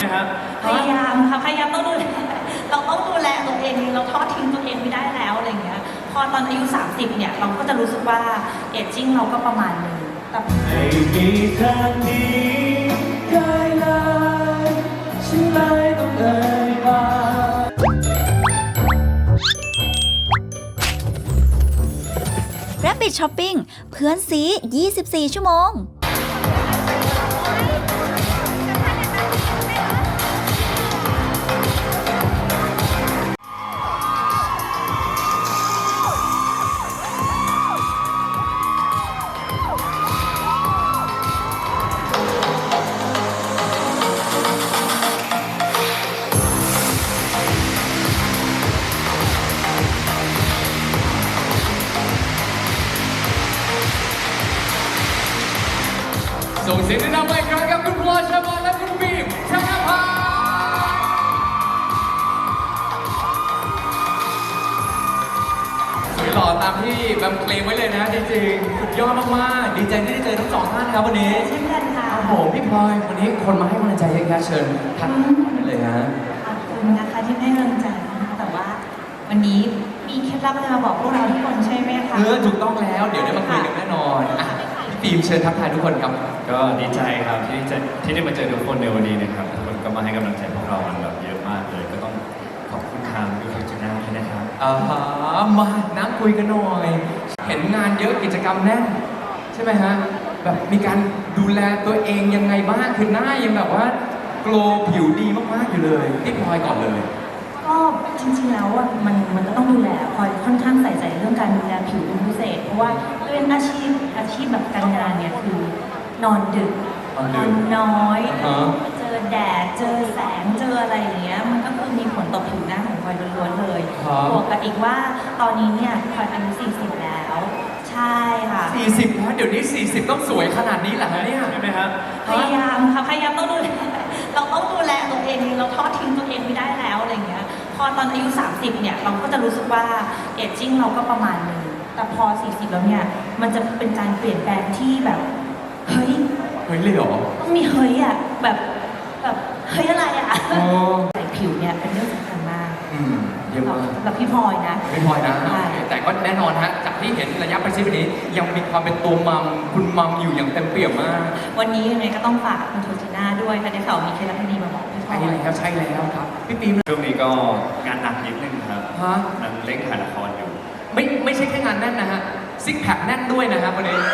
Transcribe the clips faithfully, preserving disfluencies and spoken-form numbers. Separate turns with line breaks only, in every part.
ครับ
พยายามค่ะพยายามต้องดูแลเราต้องดูแลตัวเองเราทอดทิ้งตัวเองไม่ได้แล้วอะไรเงี้ยพอตอนอายุสามสิบเนี่ยเราก็จะรู้สึกว่าเอจจิ้งเราก็ประมาณนึงแต่
ไม่มีทางนี้ได้เลยฉันเลยต้องเอ่ยปาก
Rabbit Shopping เพื่อนซียี่สิบสี่ ชั่วโมง
ส่งเสียงดังๆไปครั้งกับคุณพลอยชมรและคุณบีมชนะพาสวยหล่อตามที่แบมเคลมไว้เลยนะจริงๆสุดยอดมากๆดีใจที่ได้เจอทั้งสองท่านครับวันนี้
เช่นกันค่ะ
โอ้โหพี่พลอยวันนี้คนมาให้กำลังใจเยอะแยะเชิญทักนั่นเลยฮะ
ขอบคุณนะคะที่ให้กำลังใจนะคะแต่ว่าวันนี้มีเคล็ดลับอะไรมาบอกพวกเราทุกคนใช่ไหมคะ
เออถูกต้องแล้วเดี๋ยวได้มาคุยกันแน่นอนอ่ะพี่ฟิล์มเชิญทักทายทุกคนครับ
ก็ดีใจครับที่จะที่ได้มาเจอทุกคนในวันนี้นะครับทุกคนก็มาให้กำลังใจพวกเรากันแบบเยอะมากเลยก็ต้องขอบคุณทางยูทูบชาแนลด้วยนะครับ
อ่ามานั่งคุยกันหน่อยเห็นงานเยอะกิจกรรมแน่นใช่ไหมฮะแบบมีการดูแลตัวเองยังไงบ้างคือหน้ายังแบบว่าโกลว์ผิวดีมากๆอยู่เลยพี่พลอยก่อนเลย
ก็จริงๆแล้วอ่ะมันมันก็ต้องดูแลพลอยค่อนข้างใส่ใจเรื่องการดูแลผิวเป็นพิเศษเพราะว่าเป็นอาชีพอาชีพแบบการงานเนี่ยคือนอนดึกนอนน้อยเจอแดดเจอแสงเจออะไรอย่างเงี้ยมันก็คือมีผลต่อผิวหน้าของพลอยล้วนๆเลยบวกกับอีกว่าตอนนี้เนี่ยพลอยอายุสี่สิบแล้วใช่ค่ะ
สี่สิบแล้วเดี๋ยวนี้สี่สิบต้องสวยขนาดนี้เหรอฮะเนี่ย
ใช่ไหมครับ
พยายามค่ะพยายามต้องดูแลเราต้องดูแลตัวเองเราทอดทิ้งตัวเองไม่ได้แล้วอะไรเงี้ยพอตอนอายุสามสิบเนี่ยเราก็จะรู้สึกว่าเอจจิ้งเราก็ประมาณนึงแต่พอสี่สิบแล้วเนี่ยมันจะเป็นการเปลี่ยนแปลงที่แบบเฮ้ย
เฮ้ยเลยเหรอ
ต้องมีเฮ้ยอ่ะแบบแบบเฮ้ยอะไรอ่ะใส่ผิวเนี่ยเป็นเรื่องสำคัญมาก
อืมเยี่ยมมาก
สำหรับพี่พลอยนะ
พี่พลอยนะแต่ก็แน่นอนฮะจากที่เห็นระยะประชิดนี้ยังมีความเป็นตัวมัมคุณมัมอยู่อย่างเต็มเปี่ยมมาก
วันนี้ยังไงก็ต้องฝากคุณโทจิน่าด้วยค่ะในข่าวมีเคล็ดลับดีมาบอกพี่พลอย
ใช่แล้วใช่แล้วครับพี่ปีม
ช่วงนี้ก็งานหนักนิดนึงครับ
ฮะ
นั่งเล่นถ่ายละครอยู่
ไม่ไม่ใช่แค่งานแน่นนะฮะซิกแพคแน่นด้วยนะฮะวันนี้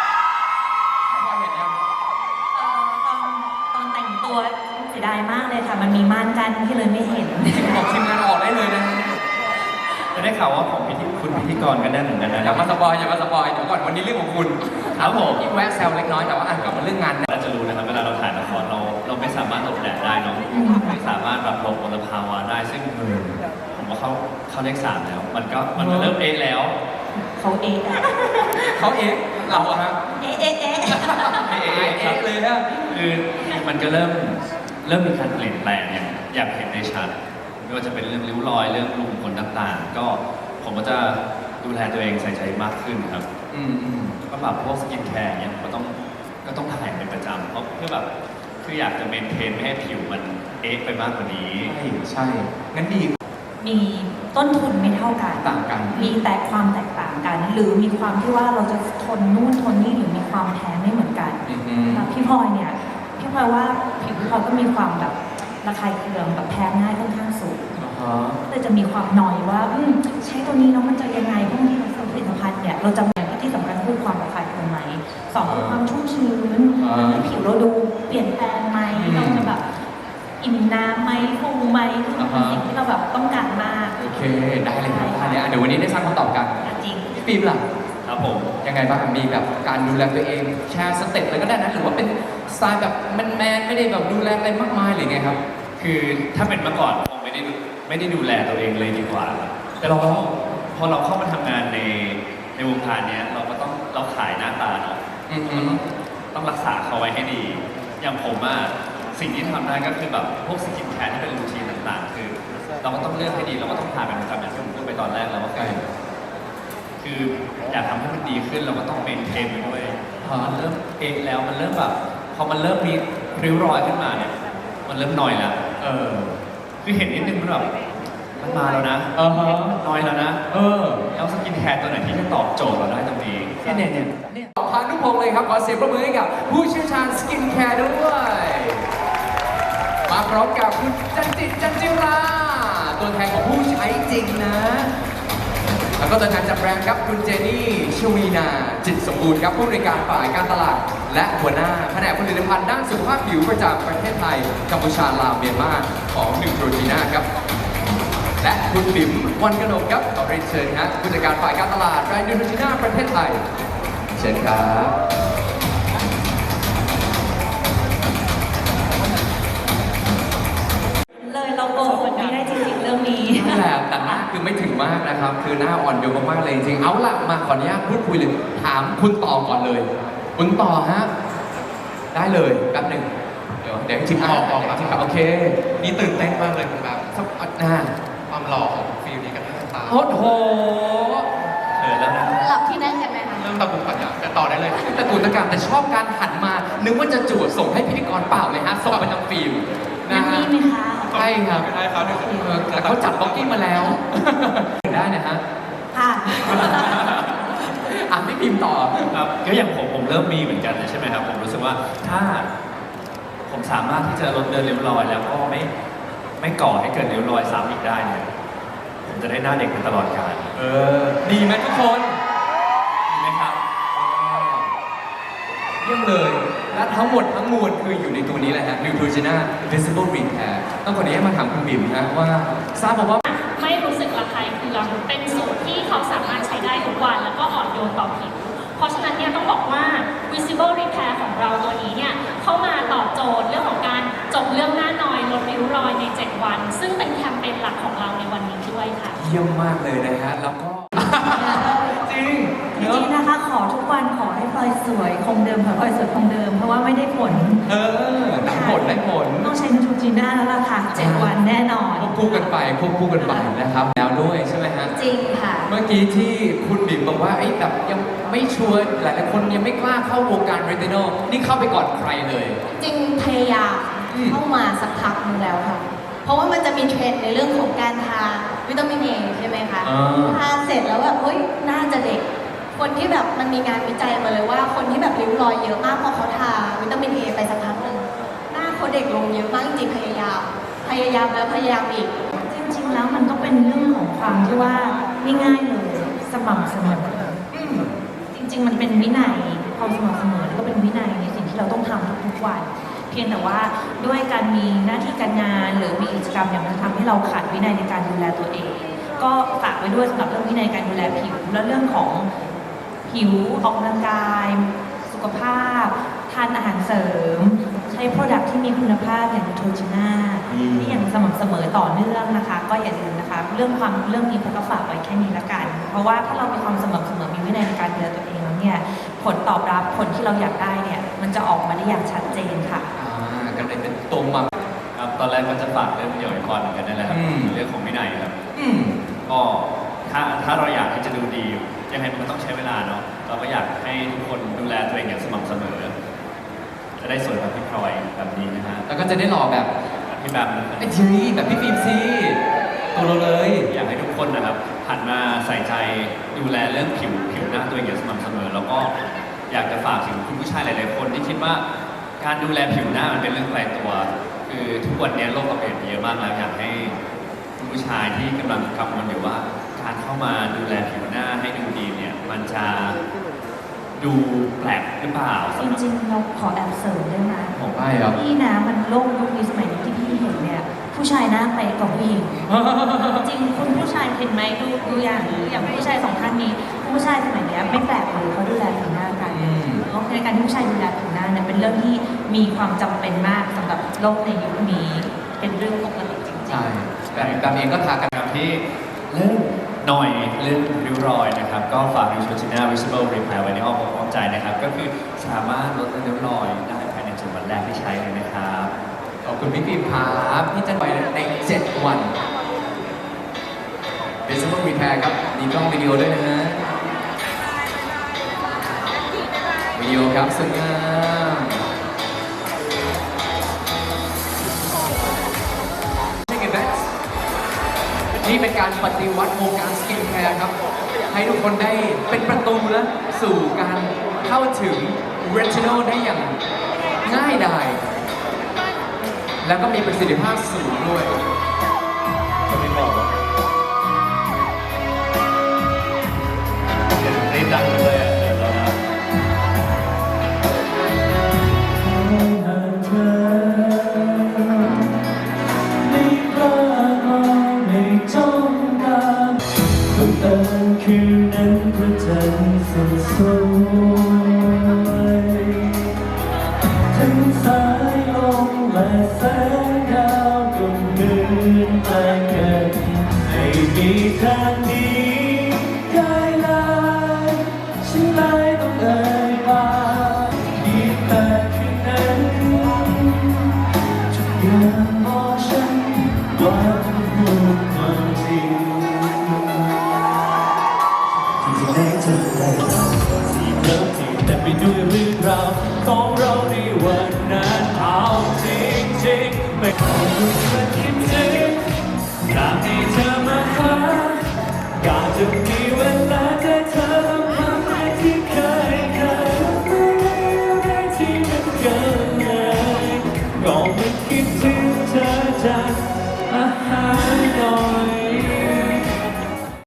เสียดายมากเลยค่ะมันมีม่านกั้นที่เลยไม่เห็น
บอกทีมงานออกได้เลยนะ
จะได้ข่าวว่าของพิธีคุณพิธีกรกันแน่นเหมือนกันนะ
อย่ามาสปอยอย่ามาสปอยเดี๋ยวก่อนวันนี้เรื่องของคุณ
ครับผม
แวะแซวเล็กน้อยแต่ว่าอ่านกลับมาเรื่องงาน
เราจะรู้นะครับเวลาเราถ่ายละครเราเราไม่สามารถหลบแดดได้เนาะไม่สามารถแบบหลบมลภาวะได้ซึ่งผมว่าเขาเขาเลขสามแล้วมันก็มันเริ่มเอะแล้ว
เขาเอะ
เขาเอะเราอะฮะ
เอะเอะเอะ
เอะเอะเลยนะ
คือมันก็เริ่มเริ่มมีการเปลี่ยนแปลงอย่างอยากเห็นในชัดไม่ว่าจะเป็นเรื่องริ้วรอยเรื่องรูขุมขนต่างๆก็ผมก็จะดูแลตัวเองใส่ใจมากขึ้นครับ
อืมอืม
ก็แบบพวกสกินแคร์เนี่ยก็ต้องก็ต้องถ่ายเป็นประจำเพราะเพื่อแบบคืออยากจะเมนเทนไม่ให้ผิวมันเอ๊ะไปมากกว่านี้
ใช่ใช่งั้นดี
มีต้นทุนไม่เท่ากัน
ต่างกัน
มีแต่ความแตกต่างกันหรือมีความที่ว่าเราจะทนนู่นทนนี่หรือมีความแพ้ไม่เหมือนกันแล้วพี่พลอยเนี่ยพี่พลอยว่าผิวพี่พลอยก็มีความแบบระคายเคืองแบบแพ้ง่ายค่อนข้างสูงแต่จะมีความหน่อยว่าใช้ตัวนี้แล้วมันจะยังไงพวกนี้ผลิตภัณฑ์เนี่ยเราจะอย่างที่สำคัญคือความระคายเคืองไหมสองคือความชุ่มชื้นผิวเราดูเปลี่ยนแปลงไหมเราจะแบบอิ่มน้ำไหมฟูไหมคือมันเป็นสิ่งที่เราแบบต้องการมาก
โอเคได้เลยครับเดี๋ยววันนี้ได้สร้างคำตอบกัน
จริง
พี่ฟิล์มล่ะ
ครับผม
ยังไงบ้างมีแบบการดูแลตัวเองแชร์สเต็ปอะไรก็ได้นะหรือว่าเป็นสไตล์แบบแมนๆไม่ได้แบบดูแลอะไรมากมายหรือไงครับ
คือถ้าเป็นเมื่อก่อนคงไม่ได้ไม่ได้ดูแลตัวเองเลยดีกว่าแต่เราพอเราเข้ามาทำงานในในวงการนี้เราก็ต้องเราขายหน้าตาเนาะต้องรักษาเขาไว้ให้ดีอย่างผมอะสิ่งที่ทำได้ก็คือแบบพวกสกินแคร์ที่เป็นรูทีนต่างๆคือเราก็ต้องเลือกให้ดีเราก็ต้องทานเป็นประจำอย่างที่ผมพูดไปตอนแรกแล้วว่าคืออยากทำให้มันดีขึ้นเราก็ต้องเมนเทนไปด้วยพอมันเริ่มเอะแล้วมันเริ่มแบบพอมันเริ่มมีริ้วรอยขึ้นมาเนี่ยมันเริ่มนอยแล้ว
เออ
คือเห็นนิดนึงมันแบบมันมาแล้วนะ
เออฮะ
นอยแล้วนะ
เออ
แล้วสกินแคร์ตัวไหนที่จะตอบโจทย์เราได้ตรงนี้
เนี่ยเนี่ยเนี่ยเนี่ยพานุพงศ์เลยครับขอเสียงปรบมือให้กับผู้เชี่ยวชาญสกินแคร์ด้วยมาพร้อมกับคุณจันจิตจันจิราตัวแทนของผู้ใช้จริงนะ แล้วก็ตัวแทนจากแบรนด์ครับคุณเจนี่ชวีนาจิตสมบูรณ์ครับผู้บริการฝ่ายการตลาด และหัวหน้าแผนกผลิตภัณฑ์ด้านสุขภาพผิวประจำประเทศไทยกัมพูชาลาวเมียนมาของนิวโทรจีน่าครับ และคุณบิ๋มวันกนกครับขอเรียนเชิญครับผู้จัดการฝ่ายการตลาดแบรนด์นิวโทรจีน่าประเทศไทยเชิญครับ
เลยเราโกหกไม่ได้จริงๆเรื่องนี้
นั่นแหละแต่หน้าคือไม่ถึงมากนะครับ คือหน้าอ่อนโยนมากๆเลยจริงๆเอาล่ะมาขออนุญาตพูดคุยเลยถามคุณต่อก่อนเลย คุณต่อฮะได้เลยแป๊บหนึ่งเดี๋ยวเดี๋ยวจริงๆอ่ะจริงๆครับโอเค
นี่ตื่นเต้นมากเลยคุณแบบ
สักอ่ะ
ความหล่อของฟิลนี้กับหน้าตา
โอ้โห
เขินแล้วนะ
หลับที่นั่นกันไหมคะ
เริ่มตะกุกตะกักแต่ต่อได้เลย
ตะกุนตะการแต่ชอบการหันมา นึกว่าจะจวดส่งให้พิธีกรเปล่าเลยฮะส่งไปทางฟิล์มนะ
นั่น
ฮะ
นี่ไหมคะ
ใช่ครับ
ไม่ได้ครับเดี๋ยวจะ
เออแต่เขาจัดบล็อกกิ้งมาแล้ว ได้นะฮะ
ค่ะ
อ่ะพี่พิมพ์ต่อ
ครับก็อย่างผมผมเริ่มมีเหมือนกันเลยใช่ไหมครับ ผมรู้สึกว่าถ้าผมสามารถที่จะลดเดินริ้วรอย แล้วก็ไม่ไม่ก่อให้เกิดริ้วรอยซ้ำอีกได้เนี่ยผมจะได้หน้าเด็กไปตลอดกาล
เออ ดีไหมทุกคน
ดีไหมครับ
เยี่ยมเลย และทั้งหมดทั้งมวลคืออยู่ในตัวนี้แหละฮะ Neutrogena Visible Repair ต้องขออนุญาตมาถามคุณบิ่มฮะว่าทราบมาว่า
ไม่รู้สึกระคายเคืองเป็นสูตรที่เขาสามารถใช้ได้ทุกวันแล้วก็อ่อนโยนต่อผิว เพราะฉะนั้นเนี่ยต้องบอกว่า visible repair ของเราตัวนี้เนี่ยเข้ามาตอบโจทย์เรื่องของการจบเรื่องหน้านอยลดริ้วรอยใน เจ็ด วัน ซึ่งเป็นแคมเปญหลักของเราในวันนี้ด้วยค่ะ
เยี่ยมมากเลยนะฮะ แล้วก็ จริง
จ
เนอะ
ริงๆนะคะ ขอทุกวันขอให้พลอยสวยคงเดิมขอให้พลอยสวยคงเดิม เพราะว่าไม่ได้ผล
เออได้ผลได้ผล
ต้องใช้นูโทรจีน่าแล้วล่ะค่ะเจ็ดวันแน่นอน
ควบคู่กันไปควบคู่กันไปนะครับ แล้วด้วยใช่ไหมฮะ
จริงค่ะ
เมื่อกี้ที่คุณบิ่มบอกว่าไอ้ยแบบยังไม่ชัวร์หลายๆคนยังไม่กล้าเข้าวงการเรตินอลนี่เข้าไปก่อนใครเลย
จริงพยายาม
อืม
เข้ามาสักพักหนึงแล้วค่ะ เพราะว่ามันจะมีเทรนด์ในเรื่องของการทาวิตามินเอใช่ไหมคะ
อ่า
ทาเสร็จแล้วแบบเฮ้ยน่าจะเด็ก คนที่แบบมันมีงานวิจัยมาเลยว่า คนที่แบบริ้วรอยเยอะมากพอเขาทาวิตามินเอไปสักพักหนึ่งหน้าเขาเด็กลงเยอะมากจริงๆพยายาม พยายามแล้วพยายามอีก
จริงๆ แล้วมันก็เป็นเรื่องของความที่ว่าง่ายๆเลยสม่ำเสมอจริงๆ มันเป็นวินัยความสม่ำเสมอแล้วก็เป็นวินัยในสิ่งที่เราต้องทำทุกๆวัน เพียงแต่ว่าด้วยการมีหน้าที่การงาน หรือมีกิจกรรมอย่างนั้นทำให้เราขาดวินัยในการดูแลตัวเอง ก็ฝากไว้ด้วยสำหรับเรื่องวินัยการดูแลผิวและเรื่องของผิวออกกำลังกาย สุขภาพ ทานอาหารเสริม ใช้โปรดักที่มีคุณภาพอย่างนูโทรจีน่า
อืม
ที่อย่างสม่ำเสมอต่อเนื่องนะคะ ก็อย่าลืมนะคะ เรื่องความเรื่องนี้ผมก็ฝากไว้แค่นี้ละกัน เพราะว่าถ้าเรามีความสม่ำเสมอมีวินัยในการดูแลตัวเองแล้วเนี่ยผลตอบรับผลที่เราอยากได้เนี่ยมันจะออกมาได้อย่างชัดเจนค่ะ
อ่ากันเลยเป็นตรงมา
ครับตอนแรกก็จะฝากเรื่องเดี่ยวไอคอนเหมือนกันนั่นแหละครับ
อืม
เรื่องของวินัยครับ
อืม
ก็ถ้าถ้าเราอยากที่จะดูดียังไงมันก็ต้องใช้เวลาเนาะเราก็อยากให้ทุกคนดูแลตัวเองอย่างสม่ำเสมอ จะได้สวยแบบพี่พลอยแบบนี้นะฮะ
แล้วก็จะได้หล่อแบบ
แบบพี่แบบนะครั
ไอ้
บ
ทีแบบพี่ฟิล์มซีตัวเราเลย
อยากให้ทุกคนนะครับหันมาใส่ใจดูแลเรื่องผิวผิวหน้าตัวเองอย่างสม่ำเสมอ แล้วก็อยากจะฝากถึงคุณผู้ชายหลาย ๆ คนที่คิดว่าการดูแลผิวหน้ามันเป็นเรื่องไกลตัว คือทุกวันนี้โลกเราเปลี่ยนไปเยอะมากแล้วอยากให้คุณผู้ชายที่กำลังกังวลอยู่ว่า การเข้ามาดูแลผิวหน้าให้ดูดีเนี่ยมันจะดูแปลกหรือเปล่า
จ
สำหรับ
ริงๆ เราขอแอบเสริมได้ไหม
ของได้ครับ
พี่นะมันโลกยุคนี้สมัยนี้ที่พี่เห็นเนี่ยผู้ชายหน้าเป๊ะกว่าผู้หญิง จริงคุณผู้ชายเห็นไหมดูดูอย่างอย่างผู้ชายสองท่านนี้ผู้ชายสมัยเนี้ยไม่แปลกเลยเขาดูแลผิวหน้ากัน
อืม
เพราะในการที่ผู้ชายดูแลผิวหน้าเนี่ยเป็นเรื่องที่มีความจำเป็นมากสำหรับโลกในยุคนี้เป็นเรื่องปกติจริงๆ
ใช่แบบแบบเองก็ทากัน
ครับที่เรื่องหน่อยเรื่องริ้วรอยนะครับ ก็ฝาก Neutrogena Visible Repair ไว้ในอ้อมอกอ้อมใจนะครับ ก็คือสามารถลดริ้วรอยได้ภายในเจ็ดวันแรกที่ใช้เลยนะครับ
ขอบคุณพี่ฟิล์มครับที่จะไปในเจ็ดวัน Visible Repair ครับมีกล้องวิดีโอด้วยนะฮะวิดีโอครับสวยงามนี่เป็นการปฏิวัติวงการสกินแคร์ครับ ให้ทุกคนได้เป็นประตูแล้วสู่การเข้าถึงเรทินอลได้อย่างง่ายดาย แล้วก็มีประสิทธิภาพสูงด้วย
จะไม่บอกว่าเดี๋ยวรีบดังเลยอ่ะเดี๋ยวเรานะ
คืนนั้นพระจันทร์สดสวยทั้งสายลมและแสงดาวก็เหมือนแปลงกันให้มีทางนี้กายลายฉันเลยต้องเอ่ยปากดีแต่คืนนั้นทุกอย่างบอกฉันว่าพูดความจริงที่ไหนจะได้เราที่เริ่มที่แต่ไปด้วยเรื่องราวของเราในวันนั้นเอาจริงๆไม่